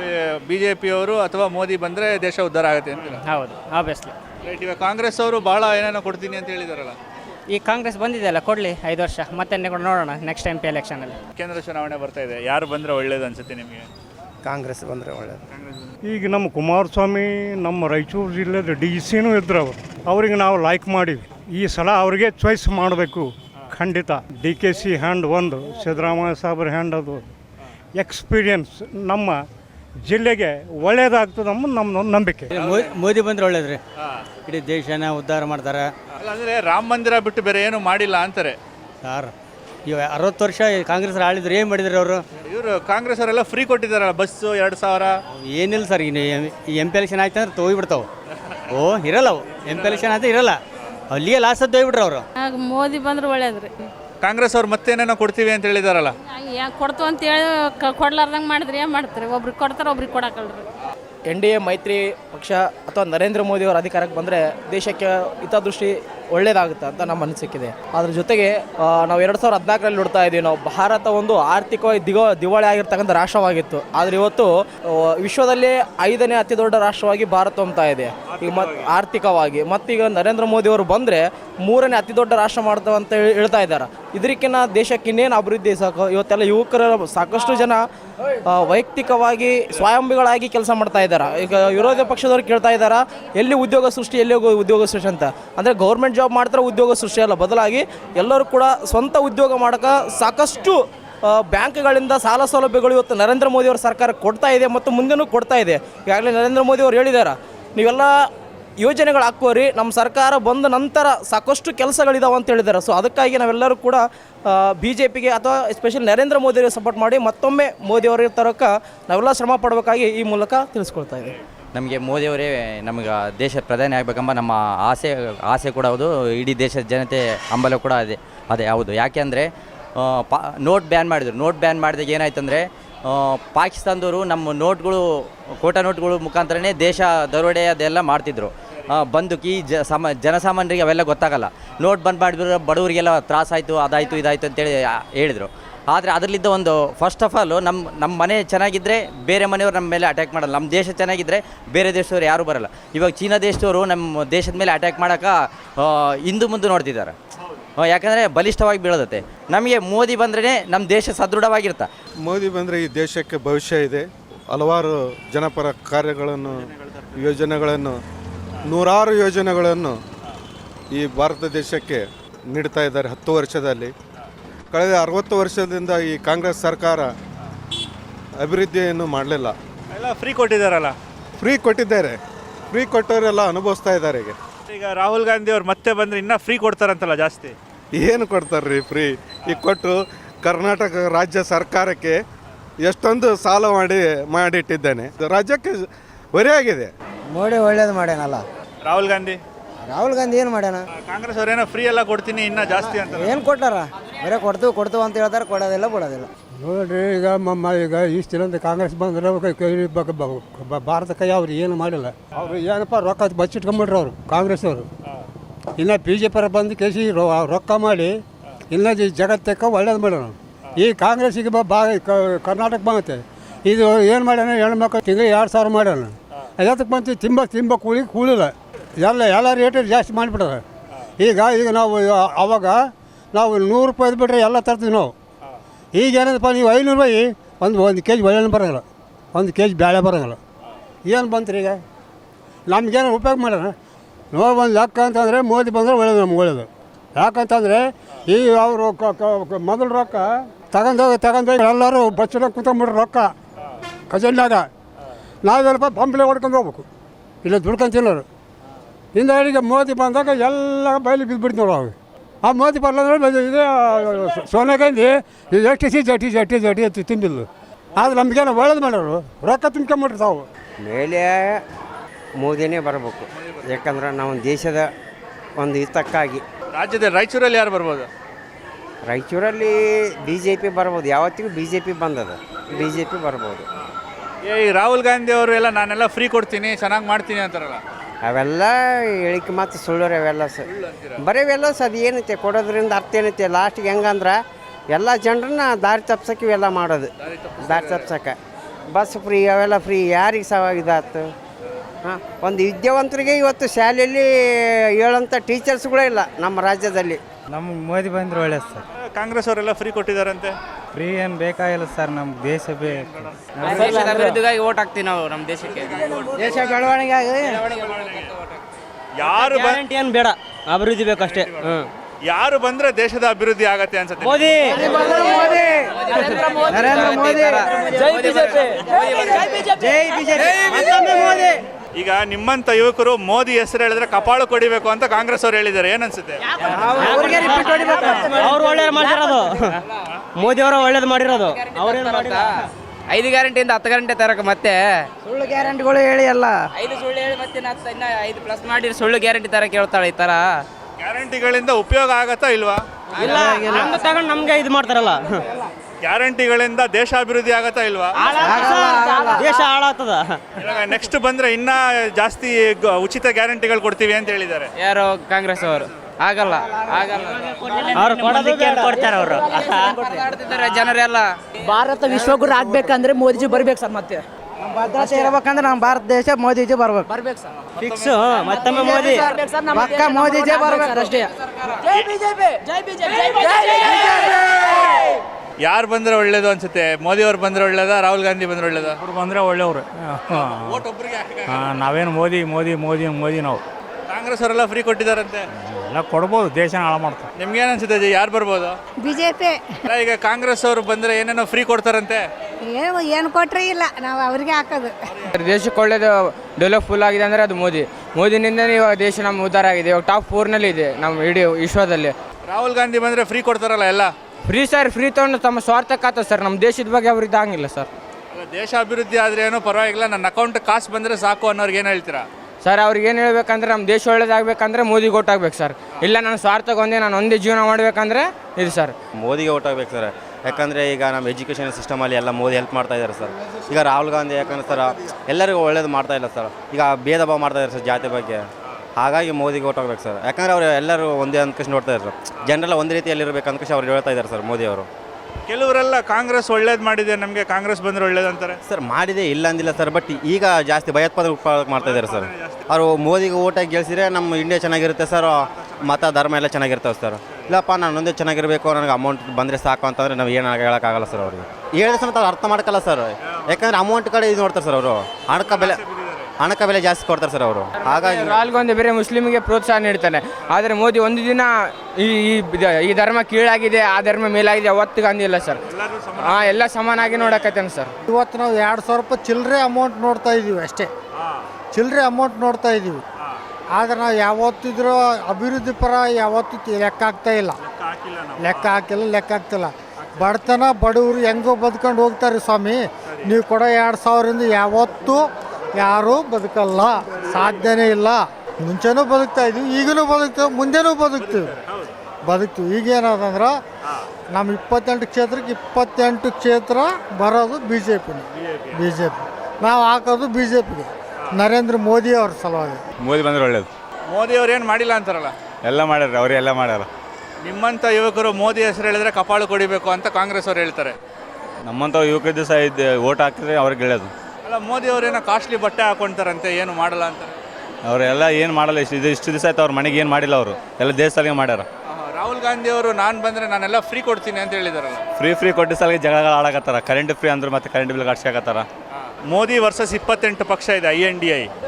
D: BJP ಅವರು ಅಥವಾ ಮೋದಿ ಬಂದರೆ ದೇಶ ಉದ್ಧಾರ ಆಗುತ್ತೆ ಅಂತಿಲ್ಲ?
J: ಹೌದು, ಆಬ್ವಿಯಸ್ಲಿ.
D: ರೈಟ್. ಇವಾಗ ಕಾಂಗ್ರೆಸ್ ಅವರು ಭಾಳ ಏನೇನೋ ಕೊಡ್ತೀನಿ ಅಂತ ಹೇಳಿದಾರಲ್ಲ.
J: ಈ ಕಾಂಗ್ರೆಸ್ ಬಂದಿದೆಯಲ್ಲ, ಕೊಡಲಿ 5 ವರ್ಷ, ಮತ್ತೆ ನೋಡೋಣ ನೆಕ್ಸ್ಟ್ MP ಎಲೆಕ್ಷನಲ್ಲಿ.
D: ಕೇಂದ್ರ ಚುನಾವಣೆ ಬರ್ತಾ ಇದೆ, ಯಾರು ಬಂದರೆ ಒಳ್ಳೇದು ಅನ್ಸುತ್ತೆ ನಿಮಗೆ?
A: ಕಾಂಗ್ರೆಸ್ ಬಂದರೆ ಒಳ್ಳೇದು.
K: ಈಗ ನಮ್ಮ ಕುಮಾರಸ್ವಾಮಿ ನಮ್ಮ ರಾಯಚೂರು ಜಿಲ್ಲೆದ DC ಇದ್ರು ಅವ್ರಿಗೆ ನಾವು ಲೈಕ್ ಮಾಡೀವಿ. ಈ ಸಲ ಅವ್ರಿಗೆ ಚಾಯ್ಸ್ ಮಾಡಬೇಕು ಖಂಡಿತ. DKC ಹ್ಯಾಂಡ್ ಒಂದು, ಸಿದ್ದರಾಮಯ್ಯ ಸಾಹೇಬ್ರ ಹ್ಯಾಂಡ್ ಅದು. ಎಕ್ಸ್ಪೀರಿಯನ್ಸ್ ನಮ್ಮ ಜಿಲ್ಲೆಗೆ ಒಳ್ಳೇದಾಗ್ತದೆ ನಮ್ಮ ನಮ್ಮದೊಂದು ನಂಬಿಕೆ.
J: ಮೋದಿ ಬಂದರೆ ಒಳ್ಳೇದ್ರಿ, ಇಡೀ ದೇಶನ ಉದ್ಧಾರ ಮಾಡ್ತಾರೆ.
D: ಅಂದರೆ ರಾಮ ಮಂದಿರ ಬಿಟ್ಟು ಬೇರೆ ಏನು ಮಾಡಿಲ್ಲ ಅಂತಾರೆ
J: ಸರ್. ಇವ 60 ವರ್ಷ ಕಾಂಗ್ರೆಸ್ ಆಳಿದ್ರು, ಏನು ಮಾಡಿದ್ರು ಅವರು?
D: ಇವರು ಕಾಂಗ್ರೆಸ್ ಅವರೆಲ್ಲ ಫ್ರೀ ಕೊಟ್ಟಿದ್ದಾರಲ್ಲ, ಬಸ್ಸು 2000.
J: ಏನಿಲ್ಲ ಸರ್, ಇನ್ನು MP ಎಲೆಕ್ಷನ್ ಆಯ್ತು ಅಂದ್ರೆ ತೊಗೊಬಿಡ್ತಾವೆ. ಇರಲ್ಲ ಅವು, MP ಎಲೆಕ್ಷನ್ ಆಯ್ತು ಇರಲ್ಲ, ಅಲ್ಲಿಯೇ ಲಾಸ್ ಅದು ಹೋಗ್ಬಿಟ್ರು ಅವರು.
B: ಮೋದಿ ಬಂದ್ರೆ ಒಳ್ಳೇದ್ರಿ.
D: ಕಾಂಗ್ರೆಸ್ ಅವ್ರು ಮತ್ತೇನೇನೋ ಕೊಡ್ತೀವಿ ಅಂತ ಹೇಳಿದಾರಲ್ಲ.
B: ಕೊಡ್ತು ಅಂತ ಹೇಳಿ ಕೊಡ್ಲಾರ್ದಂಗೆ ಮಾಡಿದ್ರಿ, ಏನು ಮಾಡ್ತಾರೆ? ಒಬ್ರಿಗೆ ಕೊಡ್ತಾರೆ, ಒಬ್ರಿಗೆ ಕೊಡಕಲ್ರಿ.
A: NDA ಮೈತ್ರಿ ಪಕ್ಷ ಅಥವಾ ನರೇಂದ್ರ ಮೋದಿ ಅವರ ಅಧಿಕಾರಕ್ಕೆ ಬಂದರೆ ದೇಶಕ್ಕೆ ಹಿತದೃಷ್ಟಿ ಒಳ್ಳೆಯದಾಗುತ್ತೆ ಅಂತ ನಮ್ಮ ಅನಿಸಿಕೆ. ಅದ್ರ ಜೊತೆಗೆ ನಾವು 2014ರಲ್ಲಿ ನೋಡ್ತಾ ಇದ್ದೀವಿ, ನಾವು ಭಾರತ ಒಂದು ಆರ್ಥಿಕವಾಗಿ ದಿವಾಳಿ ಆಗಿರ್ತಕ್ಕಂಥ ರಾಷ್ಟ್ರವಾಗಿತ್ತು. ಆದರೆ ಇವತ್ತು ವಿಶ್ವದಲ್ಲೇ 5ನೇ ಅತಿ ದೊಡ್ಡ ರಾಷ್ಟ್ರವಾಗಿ ಭಾರತ ಹೊಮ್ತಾ ಇದೆ ಈಗ ಆರ್ಥಿಕವಾಗಿ. ಮತ್ತೀಗ ನರೇಂದ್ರ ಮೋದಿ ಅವರು ಬಂದರೆ 3ನೇ ಅತಿ ದೊಡ್ಡ ರಾಷ್ಟ್ರ ಮಾಡ್ತೇವೆ ಅಂತ ಹೇಳ್ತಾ ಇದ್ದಾರೆ. ಇದಕ್ಕಿಂತ ದೇಶಕ್ಕೆ ಇನ್ನೇನು ಅಭಿವೃದ್ಧಿ ಸಾಕು? ಇವತ್ತೆಲ್ಲ ಯುವಕರು ಸಾಕಷ್ಟು ಜನ ವೈಯಕ್ತಿಕವಾಗಿ ಸ್ವಾವಲಂಬಿಗಳಾಗಿ ಕೆಲಸ ಮಾಡ್ತಾ ಇದ್ದಾರೆ. ಈಗ ವಿರೋಧ ಪಕ್ಷದವ್ರು ಕೇಳ್ತಾ ಇದ್ದಾರೆ, ಎಲ್ಲಿ ಉದ್ಯೋಗ ಸೃಷ್ಟಿ, ಎಲ್ಲಿ ಉದ್ಯೋಗ ಸೃಷ್ಟಿ ಅಂತ. ಅಂದರೆ ಗೌರ್ಮೆಂಟ್ ಜಾಬ್ ಮಾಡ್ತಾರೆ, ಉದ್ಯೋಗ ಸೃಷ್ಟಿ ಅಲ್ಲ, ಬದಲಾಗಿ ಎಲ್ಲರೂ ಕೂಡ ಸ್ವಂತ ಉದ್ಯೋಗ ಮಾಡೋಕೆ ಸಾಕಷ್ಟು ಬ್ಯಾಂಕ್ಗಳಿಂದ ಸಾಲ ಸೌಲಭ್ಯಗಳು ಇವತ್ತು ನರೇಂದ್ರ ಮೋದಿ ಅವರ ಸರ್ಕಾರ ಕೊಡ್ತಾ ಇದೆ ಮತ್ತು ಮುಂದೆನೂ ಕೊಡ್ತಾ ಇದೆ. ಈಗಾಗಲೇ ನರೇಂದ್ರ ಮೋದಿ ಅವರು ಹೇಳಿದ್ದಾರೆ, ನೀವೆಲ್ಲ ಯೋಜನೆಗಳು ಹಾಕೋರಿ, ನಮ್ಮ ಸರ್ಕಾರ ಬಂದ ನಂತರ ಸಾಕಷ್ಟು ಕೆಲಸಗಳಿದಾವೆ ಅಂತ ಹೇಳಿದ್ದಾರೆ. ಸೊ ಅದಕ್ಕಾಗಿ ನಾವೆಲ್ಲರೂ ಕೂಡ BJPಗೆ ಅಥವಾ ಎಸ್ಪೆಷಲಿ ನರೇಂದ್ರ ಮೋದಿಯವರಿಗೆ ಸಪೋರ್ಟ್ ಮಾಡಿ ಮತ್ತೊಮ್ಮೆ ಮೋದಿಯವರಿಗೆ ತರೋಕೆ ನಾವೆಲ್ಲ ಶ್ರಮ ಪಡಬೇಕಾಗಿ ಈ ಮೂಲಕ ತಿಳಿಸ್ಕೊಳ್ತಾ ಇದ್ದೀವಿ.
J: ನಮಗೆ ಮೋದಿಯವರೇ ನಮಗೆ ದೇಶದ ಪ್ರಧಾನಿ ಆಗಬೇಕೆಂಬ ನಮ್ಮ ಆಸೆ ಕೂಡ ಹೌದು. ಇಡೀ ದೇಶದ ಜನತೆ ಹಂಬಲ ಕೂಡ ಅದೇ ಹೌದು. ಯಾಕೆಂದರೆ ನೋಟ್ ಬ್ಯಾನ್ ಮಾಡಿದರು. ನೋಟ್ ಬ್ಯಾನ್ ಮಾಡಿದಾಗ ಏನಾಯ್ತಂದರೆ ಪಾಕಿಸ್ತಾನದವರು ನಮ್ಮ ನೋಟ್ಗಳು, ಕೋಟಾ ನೋಟ್ಗಳು ಮುಖಾಂತರನೇ ದೇಶ ದರೋಡೆ ಅದೆಲ್ಲ ಮಾಡ್ತಿದ್ರು. ಬಂದೂಕಿ ಜನಸಾಮಾನ್ಯರಿಗೆ ಅವೆಲ್ಲ ಗೊತ್ತಾಗಲ್ಲ. ನೋಟ್ ಬಂದ್ ಮಾಡಿದ್ರು, ಬಡವರಿಗೆಲ್ಲ ತ್ರಾಸಾಯಿತು, ಅದಾಯಿತು ಇದಾಯಿತು ಅಂತೇಳಿ ಹೇಳಿದರು. ಆದರೆ ಅದರಲ್ಲಿದ್ದ ಒಂದು ಫಸ್ಟ್ ಆಫ್ ಆಲು ನಮ್ಮ ಮನೆ ಚೆನ್ನಾಗಿದ್ದರೆ ಬೇರೆ ಮನೆಯವರು ನಮ್ಮ ಮೇಲೆ ಅಟ್ಯಾಕ್ ಮಾಡಲ್ಲ. ನಮ್ಮ ದೇಶ ಚೆನ್ನಾಗಿದ್ದರೆ ಬೇರೆ ದೇಶದವ್ರು ಯಾರೂ ಬರಲ್ಲ. ಇವಾಗ ಚೀನಾ ದೇಶದವರು ನಮ್ಮ ದೇಶದ ಮೇಲೆ ಅಟ್ಯಾಕ್ ಮಾಡೋಕೆ ಹಿಂದೆ ಮುಂದೆ ನೋಡ್ತಿದ್ದಾರೆ. ಯಾಕಂದರೆ ಬಲಿಷ್ಠವಾಗಿ ಬೀಳೋದತ್ತೆ. ನಮಗೆ ಮೋದಿ ಬಂದ್ರೇ ನಮ್ಮ ದೇಶ ಸದೃಢವಾಗಿರುತ್ತೆ.
K: ಮೋದಿ ಬಂದರೆ ಈ ದೇಶಕ್ಕೆ ಭವಿಷ್ಯ ಇದೆ. ಹಲವಾರು ಜನಪರ ಕಾರ್ಯಗಳನ್ನು, ಯೋಜನೆಗಳನ್ನು, 100 ಯೋಜನೆಗಳನ್ನು ಈ ಭಾರತ ದೇಶಕ್ಕೆ ನೀಡ್ತಾ ಇದ್ದಾರೆ 10 ವರ್ಷದಲ್ಲಿ. ಕಳೆದ 60 ವರ್ಷದಿಂದ ಈ ಕಾಂಗ್ರೆಸ್ ಸರ್ಕಾರ ಅಭಿವೃದ್ಧಿಯನ್ನು ಮಾಡಲಿಲ್ಲ.
D: ಎಲ್ಲ ಫ್ರೀ ಕೊಟ್ಟಿದ್ದಾರಲ್ಲ.
K: ಫ್ರೀ ಕೊಟ್ಟಿದ್ದಾರೆ, ಫ್ರೀ ಕೊಟ್ಟವರೆಲ್ಲ ಅನುಭವಿಸ್ತಾ ಇದ್ದಾರೆ.
D: ಈಗ ರಾಹುಲ್ ಗಾಂಧಿ ಅವ್ರು ಮತ್ತೆ ಬಂದರೆ ಇನ್ನೂ ಫ್ರೀ ಕೊಡ್ತಾರಂತಲ್ಲ ಜಾಸ್ತಿ.
K: ಏನು ಕೊಡ್ತಾರೆ ರೀ ಫ್ರೀ? ಈಗ ಕೊಟ್ಟು ಕರ್ನಾಟಕ ರಾಜ್ಯ ಸರ್ಕಾರಕ್ಕೆ ಎಷ್ಟೊಂದು ಸಾಲ ಮಾಡಿಟ್ಟಿದ್ದಾನೆ. ರಾಜ್ಯಕ್ಕೆ ಹೊರೆಯಾಗಿದೆ.
A: ಮೋದಿ ಒಳ್ಳೇದು ಮಾಡ್ಯಾನಲ್ಲ.
D: ರಾಹುಲ್ ಗಾಂಧಿ
A: ಏನು ಮಾಡ್ಯಾನ?
D: ಕಾಂಗ್ರೆಸ್ ಅವ್ರೇನೋ ಫ್ರೀ ಎಲ್ಲ ಕೊಡ್ತೀನಿ ಇನ್ನೂ ಜಾಸ್ತಿ ಅಂತ.
A: ಏನು ಕೊಟ್ಟಾರ? ಬರೀ ಕೊಡ್ತು ಅಂತ ಹೇಳ್ತಾರೆ, ಕೊಡೋದಿಲ್ಲ ಬಿಡೋದಿಲ್ಲ.
K: ನೋಡಿರಿ, ಈಗ ಇಷ್ಟಿಲ್ಲಂತ ಕಾಂಗ್ರೆಸ್ ಬಂದ್ರೆ ಭಾರತಕ್ಕೆ ಅವ್ರು ಏನು ಮಾಡಿಲ್ಲ. ಅವರು ಏನಪ್ಪ ರೊಕ್ಕ ಬಚ್ಚಿಟ್ಕೊಂಬಿಟ್ರು ಅವರು ಕಾಂಗ್ರೆಸ್ ಅವರು. ಇನ್ನು BJP ಬಂದು ಕೇಸಿ ರೊಕ್ಕ ಮಾಡಿ ಇಲ್ಲ ಜಗತ್ತಕ್ಕೆ ಒಳ್ಳೇದು ಮಾಡೋಣ. ಈ ಕಾಂಗ್ರೆಸ್ಸಿಗೆ ಕರ್ನಾಟಕ ಬಂಗುತ್ತೆ. ಇದು ಏನು ಮಾಡ್ಯಾನ? ಹೆಣ್ಮಕ್ಳು ತಿಂಗಳು 2000 ಮಾಡ್ಯಾನ. ಅದಕ್ಕೆ ಬಂತು ತಿಂಬ ಕೂಲಿಲ್ಲ. ಎಲ್ಲ ರೇಟ್ ಜಾಸ್ತಿ ಮಾಡಿಬಿಟ್ಟಾರೆ. ಈಗ ನಾವು ಅವಾಗ ನಾವು 100 ರೂಪಾಯಿ ಬಿಟ್ಟರೆ ಎಲ್ಲ ತರ್ತೀವಿ ನಾವು. ಈಗ ಏನಂದಪ್ಪ, ನೀವು 500 ರೂಪಾಯಿ ಒಂದು kg ಒಳ್ಳೆಣ್ಣೆ ಬರೋಂಗಿಲ್ಲ, 1 kg ಬೇಳೆ ಬರೋಂಗಿಲ್ಲ. ಏನು ಬಂತ್ರಿ ಈಗ? ನಮಗೇನು ಉಪಯೋಗ ಮಾಡೋಣ ನೋಡಿ ಒಂದು ಲೆಕ್ಕ ಅಂತಂದರೆ ಮೋದಿ ಬಂದರೆ ಒಳ್ಳೇದು ನಮ್ಗೆ ಒಳ್ಳೇದು. ಯಾಕಂತಂದರೆ ಈ ಅವರು ಮೊದಲು ರೊಕ್ಕ ತಗೊಂಡೋಗಿ ಎಲ್ಲರೂ ಬಸ್ಸಿನಾಗ ಕೂತ್ಕೊಂಡ್ಬಿಟ್ರೆ ರೊಕ್ಕ ಖಜಾನ್ಯಾಗ ನಾವೆಲ್ಲಪ್ಪ ಬಂಬ್ಲೆ ಹೊಡ್ಕೊಂಡು ಹೋಗ್ಬೇಕು, ಇಲ್ಲ ದುಡ್ಕೊಂತಿಲ್ಲರು. ಹಿಂದೆ ಮೋದಿ ಬಂದಾಗ ಎಲ್ಲ ಬಯಲಿಗೆ ಬಿದ್ದುಬಿಡ್ತು ನೋಡು ಅವಾಗ. ಆ ಮೋದಿ ಬರಲಂದ್ರೆ ಇದೇ ಸೋನಿಯಾ ಗಾಂಧಿ ಜಟಿ ತಿಂದಿಲ್ಲ. ಆದ್ರೆ ನಮಗೇನು ಒಳ್ಳೇದು ಮಾಡೋರು, ರೊಕ್ಕ ತುಂಬ್ಕೊಂಬಿಡ್ತಾವು.
L: ಮೇಲೆ ಮೋದಿನೇ ಬರಬೇಕು, ಯಾಕಂದ್ರೆ ನಾವು ದೇಶದ ಒಂದು ಹಿತಕ್ಕಾಗಿ.
D: ರಾಯಚೂರಲ್ಲಿ ಯಾರು ಬರ್ಬೋದು?
L: ರಾಯಚೂರಲ್ಲಿ BJP ಬರ್ಬೋದು, ಯಾವತ್ತಿಗೂ BJP ಬಂದದ, BJP ಬರ್ಬೋದು.
D: ಈ ರಾಹುಲ್ ಗಾಂಧಿ ಅವರು ಎಲ್ಲ ನಾನೆಲ್ಲ ಫ್ರೀ ಕೊಡ್ತೀನಿ, ಚೆನ್ನಾಗಿ ಮಾಡ್ತೀನಿ ಅಂತಾರಲ್ಲ,
L: ಅವೆಲ್ಲ ಹೇಳಿಕೆ ಮಾತು ಸುಳ್ಳೋರು ಅವೆಲ್ಲ ಸರ್. ಬರೀ ಇವೆಲ್ಲ ಅದು ಏನೈತೆ ಕೊಡೋದ್ರಿಂದ ಅರ್ಥ ಏನೈತೆ ಲಾಸ್ಟಿಗೆ ಹೆಂಗಂದ್ರೆ ಎಲ್ಲ ಜನರನ್ನ ದಾರಿ ತಪ್ಸೋಕೆ ಇವೆಲ್ಲ ಮಾಡೋದು, ದಾರಿ ತಪ್ಸೋಕೆ ಬಸ್ ಫ್ರೀ ಅವೆಲ್ಲ ಫ್ರೀ ಯಾರಿಗೆ ಇದಾಯ್ತು. ಹಾಂ, ಒಂದು ವಿದ್ಯಾವಂತರಿಗೆ ಇವತ್ತು ಶಾಲೆಯಲ್ಲಿ ಹೇಳೋಂಥ ಟೀಚರ್ಸ್ಗಳೇ ಇಲ್ಲ ನಮ್ಮ ರಾಜ್ಯದಲ್ಲಿ.
M: ನಮ್ಗೆ ಮೋದಿ ಬಂದರೆ ಒಳ್ಳೇದು ಸರ್.
D: ಕಾಂಗ್ರೆಸ್ ಅವರೆಲ್ಲ ಫ್ರೀ ಕೊಟ್ಟಿದ್ದಾರಂತೆ.
M: ಫ್ರೀ ಏನು ಬೇಕಾಗಿಲ್ಲ ಸರ್, ನಮ್ಗೆ ದೇಶ ಬೇಕು.
F: ದೇಶದ ಅಭಿವೃದ್ಧಿಗಾಗಿ ಓಟ್ ಹಾಕ್ತೀವಿ ನಾವು, ನಮ್ಮ ದೇಶಕ್ಕೆ ದೇಶ ಬೆಳವಣಿಗೆ
D: ಯಾರು
F: ಏನು ಬೇಡ, ಅಭಿವೃದ್ಧಿ ಬೇಕಷ್ಟೇ.
D: ಯಾರು ಬಂದ್ರೆ ದೇಶದ ಅಭಿವೃದ್ಧಿ ಆಗತ್ತೆ ಅನ್ಸುತ್ತೆ?
F: ಮೋದಿ, ನರೇಂದ್ರ ಮೋದಿ, ಜೈ ಬಿಜೆಪಿ, ಜೈ ಬಿಜೆಪಿ, ಮೋದಿ.
D: ಈಗ ನಿಮ್ಮಂತ ಯುವಕರು ಮೋದಿ ಹೆಸರು ಹೇಳಿದ್ರೆ ಕಪಾಳು ಕೊಡಿಬೇಕು ಅಂತ ಕಾಂಗ್ರೆಸ್ ಅವ್ರು ಹೇಳಿದ್ದಾರೆ, ಏನನ್ಸುತ್ತೆ?
F: ಅವ್ರು ಒಳ್ಳೇದು ಮಾಡಿರೋದು, ಮೋದಿ ಅವರು ಒಳ್ಳೇದು ಮಾಡಿರೋದು. 5 ಗ್ಯಾರಂಟಿಯಿಂದ 10 ಗ್ಯಾರಂಟಿ ತರಕ ಮತ್ತೆ
A: ಸುಳ್ಳು ಗ್ಯಾರಂಟಿಗಳು ಹೇಳಿ ಅಲ್ಲ,
F: 5 ಸುಳ್ಳು ಹೇಳಿ ಮತ್ತೆ ಇನ್ನ 5 ಪ್ಲಸ್ ಮಾಡಿ ಸುಳ್ಳು ಗ್ಯಾರಂಟಿ ತರ ಕೇಳ್ತಾಳೆ. ಈ ತರ
D: ಗ್ಯಾರಂಟಿಗಳಿಂದ ಉಪಯೋಗ ಆಗತ್ತಾ ಇಲ್ವಾ?
F: ಇಲ್ಲ, ನಮ್ದು ತಗೊಂಡು ನಮ್ಗೆ ಇದು ಮಾಡ್ತಾರಲ್ಲ.
D: ಗ್ಯಾರಂಟಿಗಳಿಂದ ದೇಶ ಅಭಿವೃದ್ಧಿ ಆಗತ್ತಾ ಇಲ್ವಾ?
F: ದೇಶ ಹಾಳಾಗ್ತದ.
D: ಇವಾಗ ನೆಕ್ಸ್ಟ್ ಬಂದ್ರೆ ಇನ್ನ ಜಾಸ್ತಿ ಉಚಿತ ಗ್ಯಾರಂಟಿಗಳು ಕೊಡ್ತೀವಿ ಅಂತ ಹೇಳಿದ್ದಾರೆ.
F: ಯಾರು? ಕಾಂಗ್ರೆಸ್ ಅವರು. ಆಗಲ್ಲ, ಆಗಲ್ಲ. ಅವ್ರು ಕೊಡ್ತಾರೆ, ಅವರು ಜನರೆಲ್ಲ.
A: ಭಾರತ ವಿಶ್ವಗುರು ಆಗ್ಬೇಕಂದ್ರೆ ಮೋದಿಜಿ ಬರ್ಬೇಕು ಸರ್. ಮತ್ತೆ ಭದ್ರತೆ ಇರ್ಬೇಕಂದ್ರೆ ನಮ್ಮ ಭಾರತ ದೇಶ ಮೋದಿಜಿ ಬರ್ಬೇಕು ಸರ್.
F: ಫಿಕ್ಸ್ ಮತ್ತೊಮ್ಮೆ ಮೋದಿ,
A: ಪಕ್ಕ ಮೋದಿಜಿ ಬರ್ಬೇಕು ಅಷ್ಟೇ. ಜೈ ಬಿಜೆಪಿ, ಜೈ ಬಿಜೆಪಿ,
D: ಯಾರು ಬಂದ್ರೆ ಒಳ್ಳೇದು ಅನ್ಸುತ್ತೆ? ಮೋದಿ ಅವ್ರು ಬಂದ್ರೆ ಒಳ್ಳೇದಾ, ರಾಹುಲ್ ಗಾಂಧಿ ಬಂದ್ರೆ ಒಳ್ಳೇದಾ?
I: ಅವ್ರು ಬಂದರೆ ಒಳ್ಳೆಯವರು. ನಾವೇನು ಮೋದಿ ಮೋದಿ ಮೋದಿ ಮೋದಿ ನಾವು.
D: ಕಾಂಗ್ರೆಸ್ ಅವರೆಲ್ಲ ಫ್ರೀ ಕೊಟ್ಟಿದ್ದಾರಂತೆ.
I: ಎಲ್ಲ ಕೊಡ್ಬೋದು, ದೇಶನ ಹಾಳು ಮಾಡ್ತಾರೆ.
D: ನಿಮ್ಗೇನು ಅನ್ಸುತ್ತೆ? ಯಾರು ಬರ್ಬೋದು?
B: ಬಿಜೆಪಿ.
D: ಈಗ ಕಾಂಗ್ರೆಸ್ ಅವರು ಬಂದ್ರೆ ಏನೇನೋ ಫ್ರೀ ಕೊಡ್ತಾರಂತೆ.
B: ಏನು ಕೊಟ್ರೆ ಇಲ್ಲ, ನಾವು ಅವ್ರಿಗೆ ಹಾಕೋದು.
F: ದೇಶಕ್ಕೆ ಒಳ್ಳೇದು ಡೆವಲಪ್ ಫುಲ್ ಆಗಿದೆ ಅಂದರೆ ಅದು ಮೋದಿನಿಂದನೇ ಇವಾಗ ದೇಶ ನಮ್ಮ ಉದ್ಧಾರ ಆಗಿದೆ. ಇವಾಗ ಟಾಪ್ 4ನಲ್ಲಿ ಇದೆ ನಮ್ಮ ಇಡೀ ವಿಶ್ವದಲ್ಲಿ.
D: ರಾಹುಲ್ ಗಾಂಧಿ ಬಂದ್ರೆ ಫ್ರೀ ಕೊಡ್ತಾರಲ್ಲ ಎಲ್ಲ.
F: ಫ್ರೀ ಸರ್, ಫ್ರೀ ತೊಗೊಂಡು ತಮ್ಮ ಸ್ವಾರ್ಥಕ್ಕಾಗ್ತದೆ ಸರ್. ನಮ್ಮ ದೇಶದ ಬಗ್ಗೆ ಅವ್ರು ಇದಾಗಿಲ್ಲ ಸರ್.
D: ದೇಶ ಅಭಿವೃದ್ಧಿ ಆದ್ರೆ ಏನೋ ಪರವಾಗಿಲ್ಲ, ನನ್ನ ಅಕೌಂಟ್ ಕಾಸು ಬಂದ್ರೆ ಸಾಕು ಅನ್ನೋರ್ಗೆ ಏನು ಹೇಳ್ತೀರಾ
F: ಸರ್? ಅವ್ರಿಗೆ ಏನು ಹೇಳ್ಬೇಕಂದ್ರೆ ನಮ್ಮ ದೇಶ ಒಳ್ಳೇದಾಗಬೇಕಂದ್ರೆ ಮೋದಿಗೆ ಓಟ್ ಆಗ್ಬೇಕು ಸರ್. ಇಲ್ಲ ನನ್ನ ಸ್ವಾರ್ಥಕ್ಕೊಂದೇ ನಾನು ಒಂದೇ ಜೀವನ ಮಾಡಬೇಕಂದ್ರೆ ಇದು ಸರ್,
H: ಮೋದಿಗೆ ಓಟ್ ಆಗ್ಬೇಕು ಸರ್. ಯಾಕಂದರೆ ಈಗ ನಮ್ಮ ಎಜುಕೇಷನ್ ಸಿಸ್ಟಮಲ್ಲಿ ಎಲ್ಲ ಮೋದಿ ಹೆಲ್ಪ್ ಮಾಡ್ತಾ ಇದ್ದಾರೆ ಸರ್. ಈಗ ರಾಹುಲ್ ಗಾಂಧಿ ಯಾಕಂದ್ರೆ ಸರ್ ಎಲ್ಲರಿಗೂ ಒಳ್ಳೇದು ಮಾಡ್ತಾ ಇಲ್ಲ ಸರ್. ಈಗ ಭೇದ ಭಾವ ಮಾಡ್ತಾ ಇದ್ದಾರೆ ಸರ್ ಜಾತಿ ಬಗ್ಗೆ. ಹಾಗಾಗಿ ಮೋದಿಗೆ ಓಟ್ ಆಗ್ಬೇಕು ಸರ್. ಯಾಕಂದರೆ ಅವರು ಎಲ್ಲರೂ ಒಂದೇ ಅಂದ್ಕಷ್ಟು ನೋಡ್ತಾ ಇದ್ದಾರೆ ಸರ್. ಜನರೆಲ್ಲ ಒಂದು ರೀತಿಯಲ್ಲಿರಬೇಕು ಅಂದ್ಕಷ್ಟು ಅವ್ರು ಹೇಳ್ತಾ ಇದ್ದಾರೆ ಸರ್ ಮೋದಿ ಅವರು.
D: ಕೆಲವರೆಲ್ಲ ಕಾಂಗ್ರೆಸ್ ಒಳ್ಳೇದು ಮಾಡಿದೆ, ನಮಗೆ ಕಾಂಗ್ರೆಸ್ ಬಂದ್ರೆ ಒಳ್ಳೇದು ಅಂತಾರೆ.
H: ಸರ್ ಮಾಡಿದೆ ಇಲ್ಲ ಅಂದಿಲ್ಲ ಸರ್, ಬಟ್ ಈಗ ಜಾಸ್ತಿ ಭಯೋತ್ಪಾದನೆ ಮಾಡ್ತಾ ಇದ್ದಾರೆ ಸರ್. ಅವರು ಮೋದಿಗೆ ಓಟಾಗಿ ಗೆಲ್ಸಿದ್ರೆ ನಮ್ಮ ಇಂಡಿಯಾ ಚೆನ್ನಾಗಿರುತ್ತೆ ಸರ್, ಮತ ಧರ್ಮ ಎಲ್ಲ ಚೆನ್ನಾಗಿರ್ತವೆ ಸರ್. ಇಲ್ಲಪ್ಪ ನಾನು ಒಂದೇ ಚೆನ್ನಾಗಿರಬೇಕು, ನನಗೆ ಅಮೌಂಟ್ ಬಂದರೆ ಸಾಕು ಅಂತಂದರೆ ನಾವು ಏನು ಹೇಳೋಕ್ಕಾಗಲ್ಲ ಸರ್. ಅವ್ರಿಗೆ ಹೇಳಿದ್ರೆ ಸಮೇತ ಅವ್ರು ಅರ್ಥ ಮಾಡ್ಕಲ್ಲ ಸರ್. ಯಾಕಂದರೆ ಅಮೌಂಟ್ ಕಡೆ ಇದು ನೋಡ್ತಾರೆ ಸರ್ ಅವರು. ಹಣಕ್ಕೆ ಬೆಲೆ ಜಾಸ್ತಿ ಕೊಡ್ತಾರೆ ಸರ್ ಅವರು. ಹಾಗಾಗಿ
F: ರಾಹುಲ್ ಗಾಂಧಿ ಬೇರೆ ಮುಸ್ಲಿಮ್ಗೆ ಪ್ರೋತ್ಸಾಹ ನೀಡ್ತಾನೆ, ಆದರೆ ಮೋದಿ ಒಂದು ದಿನ ಈ ಧರ್ಮ ಕೀಳಾಗಿದೆ, ಆ ಧರ್ಮ ಮೇಲಾಗಿದೆ ಅವತ್ತು ಗಾಂಧಿ ಇಲ್ಲ ಸರ್. ಎಲ್ಲ ಸಮಾನಾಗಿ ನೋಡಕತ್ತೇನೆ ಸರ್.
M: ಇವತ್ತು ನಾವು 2,000 ರೂಪಾಯಿ ಚಿಲ್ಲರೆ ಅಮೌಂಟ್ ನೋಡ್ತಾ ಇದ್ದೀವಿ ಅಷ್ಟೇ, ಚಿಲ್ಲರೆ ಅಮೌಂಟ್ ನೋಡ್ತಾ ಇದ್ದೀವಿ. ಆದರೆ ನಾವು ಯಾವತ್ತಿದ್ರೂ ಅಭಿವೃದ್ಧಿ ಪರ ಯಾವತ್ತೂ ಲೆಕ್ಕ ಆಗ್ತಾಯಿಲ್ಲ, ಲೆಕ್ಕ ಆಗ್ತಿಲ್ಲ. ಬಡತನ ಬಡವರು ಹೆಂಗೋ ಬದುಕೊಂಡು ಹೋಗ್ತಾರೆ ಸ್ವಾಮಿ. ನೀವು ಕೊಡೋ 2,000ರಿಂದ ಯಾವತ್ತೂ ಯಾರೂ ಬದುಕಲ್ಲ, ಸಾಧ್ಯನೇ ಇಲ್ಲ. ಮುಂಚೆನೂ ಬದುಕ್ತಾ ಇದ್ದೀವಿ, ಈಗಲೂ ಬದುಕ್ತೇವೆ, ಮುಂದೆನೂ ಬದುಕ್ತೀವಿ. ಈಗೇನದಂದ್ರೆ ನಮ್ಮ 28 ಕ್ಷೇತ್ರಕ್ಕೆ 28 ಕ್ಷೇತ್ರ ಬರೋದು ಬಿ ಜೆ ಪಿ. ನಾವು ಹಾಕೋದು BJPಗೆ, ನರೇಂದ್ರ ಮೋದಿ ಅವ್ರ ಸಲುವಾಗಿ.
I: ಮೋದಿ ಬಂದರೆ ಒಳ್ಳೇದು.
D: ಮೋದಿ ಅವ್ರು ಏನು ಮಾಡಿಲ್ಲ ಅಂತಾರಲ್ಲ?
I: ಎಲ್ಲ ಮಾಡ್ಯಾರ, ಅವರೆಲ್ಲ ಮಾಡ್ಯಾರ.
D: ನಿಮ್ಮಂಥ ಯುವಕರು ಮೋದಿ ಹೆಸರು ಹೇಳಿದ್ರೆ ಕಪಾಳು ಕೊಡಿಬೇಕು ಅಂತ ಕಾಂಗ್ರೆಸ್ ಅವ್ರು ಹೇಳ್ತಾರೆ.
I: ನಮ್ಮಂಥ ಯುವಕರ ದಿವಸ ಓಟ್ ಹಾಕಿದ್ರೆ ಅವ್ರಿಗೆ ಗೆಳೆಯೋದು.
D: ಅಲ್ಲ, ಮೋದಿ ಅವರೇನೋ ಕಾಸ್ಟ್ಲಿ ಬಟ್ಟೆ ಹಾಕೊಳ್ತಾರಂತೆ, ಏನು ಮಾಡಲ್ಲ ಅಂತಾರೆ.
I: ಅವರೆಲ್ಲ ಏನು ಮಾಡಲ್ಲ. ಇಷ್ಟು ದಿವಸ ಆಯ್ತು ಅವ್ರ ಮನೆಗೆ ಏನು ಮಾಡಿಲ್ಲ ಅವರು, ಎಲ್ಲ ದೇಶದಲ್ಲಿ ಮಾಡ್ಯಾರ.
D: ರಾಹುಲ್ ಗಾಂಧಿ ಅವರು ನಾನು ಬಂದರೆ ನಾನೆಲ್ಲ ಫ್ರೀ ಕೊಡ್ತೀನಿ ಅಂತ ಹೇಳಿದಾರಲ್ಲ.
I: ಫ್ರೀ ಕೊಟ್ಟು ಸಲ ಜಗಳ ಆಡಕತ್ತಾರ. ಕರೆಂಟ್ ಫ್ರೀ ಅಂದ್ರೆ ಮತ್ತೆ ಕರೆಂಟ್ ಬಿಲ್ ಕಟ್ಸ್ಯಾಕತ್ತಾರ.
D: ಮೋದಿ ವರ್ಸಸ್ 28 ಪಕ್ಷ ಇದೆ, INDI.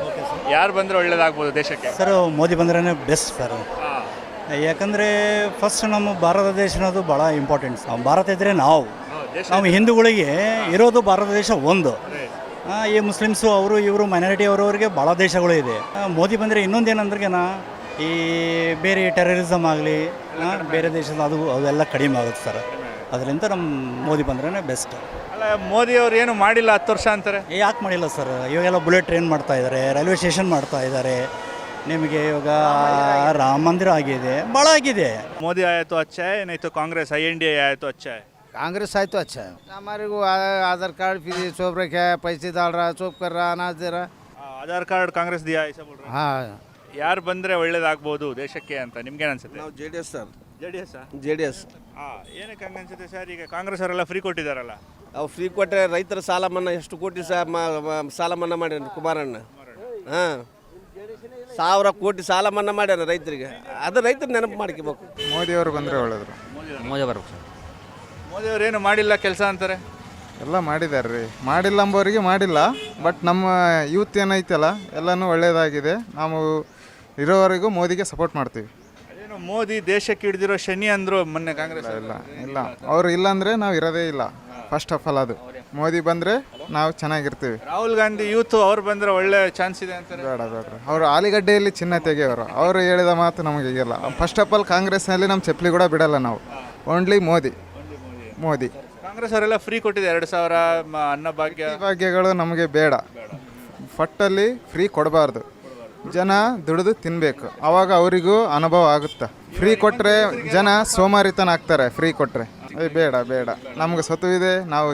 D: ಯಾರು ಬಂದರೆ ಒಳ್ಳೇದಾಗ್ಬೋದು ದೇಶಕ್ಕೆ?
N: ಸರ್ ಮೋದಿ ಬಂದ್ರೇ ಬೆಸ್ಟ್ ಸರ್. ಯಾಕಂದರೆ ಫಸ್ಟ್ ನಮ್ಮ ಭಾರತ ದೇಶ ಅನ್ನೋದು ಭಾಳ ಇಂಪಾರ್ಟೆಂಟ್. ಭಾರತ ಇದ್ದರೆ ನಾವು ಹಿಂದೂಗಳಿಗೆ ಇರೋದು ಭಾರತ ದೇಶ ಒಂದು. ಈ ಮುಸ್ಲಿಮ್ಸು ಅವರು ಇವರು ಮೈನಾರಿಟಿ ಅವರವರಿಗೆ ಭಾಳ ದೇಶಗಳು ಇದೆ. ಮೋದಿ ಬಂದರೆ ಇನ್ನೊಂದೇನಂದ್ರೆನ ಈ ಬೇರೆ ಟೆರರಿಸಮ್ ಆಗಲಿ ಬೇರೆ ದೇಶದ ಅವೆಲ್ಲ ಕಡಿಮೆ ಆಗುತ್ತೆ ಸರ್. ಅದರಿಂದ ನಮ್ಮ ಮೋದಿ ಬಂದ್ರೇ ಬೆಸ್ಟ್.
D: ಅಲ್ಲ, ಮೋದಿ ಅವ್ರು ಏನು ಮಾಡಿಲ್ಲ 10 ವರ್ಷ ಅಂತಾರೆ.
N: ಯಾಕೆ ಮಾಡಿಲ್ಲ ಸರ್? ಇವಾಗೆಲ್ಲ ಬುಲೆಟ್ ಟ್ರೈನ್ ಮಾಡ್ತಾ ಇದ್ದಾರೆ, ರೈಲ್ವೆ ಸ್ಟೇಷನ್ ಮಾಡ್ತಾ ಇದ್ದಾರೆ, ನಿಮಗೆ ಇವಾಗ ರಾಮ ಮಂದಿರ ಆಗಿದೆ, ಭಾಳ ಆಗಿದೆ.
D: ಮೋದಿ ಆया तो अच्छा है, नहीं तो कांग्रेस INDA आया तो अच्छा है?
O: कांग्रेस आए तो अच्छा है. हमारे को आधार कार्ड फ्री चौप रखा है, पैसे डाल रहा, चौप कर रहा, अनाज दे रहा.
D: ಆಧಾರ್ ಕಾರ್ಡ್ ಕಾಂಗ್ರೆಸ್ ದಿಯಾ ಐಸಾ ಬೋಲ್ ರಹೆ?
O: हाँ,
D: ಯಾರು ಬಂದರೆ ಒಳ್ಳೇದಾಗ್ಬೋದು ದೇಶಕ್ಕೆ ಅಂತ ನಿಮ್ಗೇನು ಅನ್ಸುತ್ತೆ?
C: ನಾವು JDS ಸರ್.
D: JDS ಏನಕ್ಕೆ ಹಂಗೆ ಅನ್ಸುತ್ತೆ ಸರ್? ಈಗ ಕಾಂಗ್ರೆಸ್ ಅವರೆಲ್ಲ ಫ್ರೀ ಕೊಟ್ಟಿದ್ದಾರಲ್ಲ.
C: ಅವು ಫ್ರೀ ಕೊಟ್ಟರೆ ರೈತರ ಸಾಲ ಮನ್ನಾ ಎಷ್ಟು ಕೋಟಿ ಸಾಲ ಮನ್ನಾ ಮಾಡ್ಯಾನ ಕುಮಾರಣ್ಣ. ಹಾಂ, 1000 ಕೋಟಿ ಸಾಲ ಮನ್ನಾ ಮಾಡ್ಯಾನ ರೈತರಿಗೆ. ಅದು ರೈತರು ನೆನಪು ಮಾಡ್ಕೋಬೇಕು.
E: ಮೋದಿಯವರು ಬಂದರೆ ಒಳ್ಳೆಯದು.
J: ಮೋದಿ ಬರ್ಬೇಕು ಸರ್.
D: ಮೋದಿ ಅವ್ರು ಏನು ಮಾಡಿಲ್ಲ ಕೆಲಸ ಅಂತಾರೆ.
E: ಎಲ್ಲ ಮಾಡಿದ್ದಾರೆ ರೀ. ಮಾಡಿಲ್ಲ ಅಂಬೋರಿಗೆ ಮಾಡಿಲ್ಲ, ಬಟ್ ನಮ್ಮ ಯೂತ್ ಏನೈತಲ್ಲ ಎಲ್ಲನೂ ಒಳ್ಳೆಯದಾಗಿದೆ. ನಾವು ಇರೋವರೆಗೂ ಮೋದಿಗೆ ಸಪೋರ್ಟ್ ಮಾಡ್ತೀವಿ.
D: ಅದೇನು ಮೋದಿ ದೇಶಕ್ಕೆ ಹಿಡಿದಿರೋ ಶನಿ ಅಂದರು ಮೊನ್ನೆ ಕಾಂಗ್ರೆಸ್.
E: ಇಲ್ಲ ಅವರು ಇಲ್ಲಾಂದರೆ ನಾವು ಇರೋದೇ ಇಲ್ಲ. ಫಸ್ಟ್ ಆಫ್ ಆಲ್ ಅದು ಮೋದಿ ಬಂದರೆ ನಾವು ಚೆನ್ನಾಗಿರ್ತೀವಿ.
D: ರಾಹುಲ್ ಗಾಂಧಿ ಯೂತ್ ಅವ್ರು ಬಂದರೆ ಒಳ್ಳೆ ಚಾನ್ಸ್ ಇದೆ ಅಂತಾರೆ.
E: ಬೇಡ ಅವರು ಆಲಿಗಡ್ಡೆಯಲ್ಲಿ ಚಿನ್ನ ತೆಗೆಯೋರು. ಅವರು ಹೇಳಿದ ಮಾತು ನಮಗೆ ಈಗಿಲ್ಲ. ಫಸ್ಟ್ ಆಫ್ ಆಲ್ ಕಾಂಗ್ರೆಸ್ನಲ್ಲಿ ನಮ್ಮ ಚಪ್ಪಲಿ ಕೂಡ ಬಿಡಲ್ಲ ನಾವು. ಓನ್ಲಿ ಮೋದಿ.
D: ಕಾಂಗ್ರೆಸ್ ಅವರೆಲ್ಲ ಫ್ರೀ ಕೊಟ್ಟಿದೆ 2000
E: ಭಾಗ್ಯಗಳು ನಮಗೆ ಬೇಡ. ಫಟ್ಟಲ್ಲಿ ಫ್ರೀ ಕೊಡಬಾರ್ದು. ಜನ ದುಡಿದು ತಿನ್ನಬೇಕು, ಆವಾಗ ಅವರಿಗೂ ಅನುಭವ ಆಗುತ್ತೆ. ಫ್ರೀ ಕೊಟ್ಟರೆ ಜನ ಸೋಮಾರಿತನ ಆಗ್ತಾರೆ. ಫ್ರೀ ಕೊಟ್ಟರೆ ಬೇಡ. ನಮ್ಗೆ ಇದೆ, ನಾವು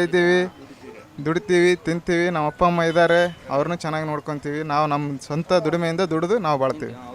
E: ದುಡಿತೀವಿ, ತಿಂತೀವಿ. ನಮ್ಮ ಅಪ್ಪ ಅಮ್ಮ ಇದ್ದಾರೆ, ಅವ್ರನ್ನೂ ಚೆನ್ನಾಗಿ ನೋಡ್ಕೊತೀವಿ. ನಾವು ನಮ್ಮ ಸ್ವಂತ ದುಡಿಮೆಯಿಂದ ದುಡಿದು ನಾವು ಬಾಳ್ತೀವಿ.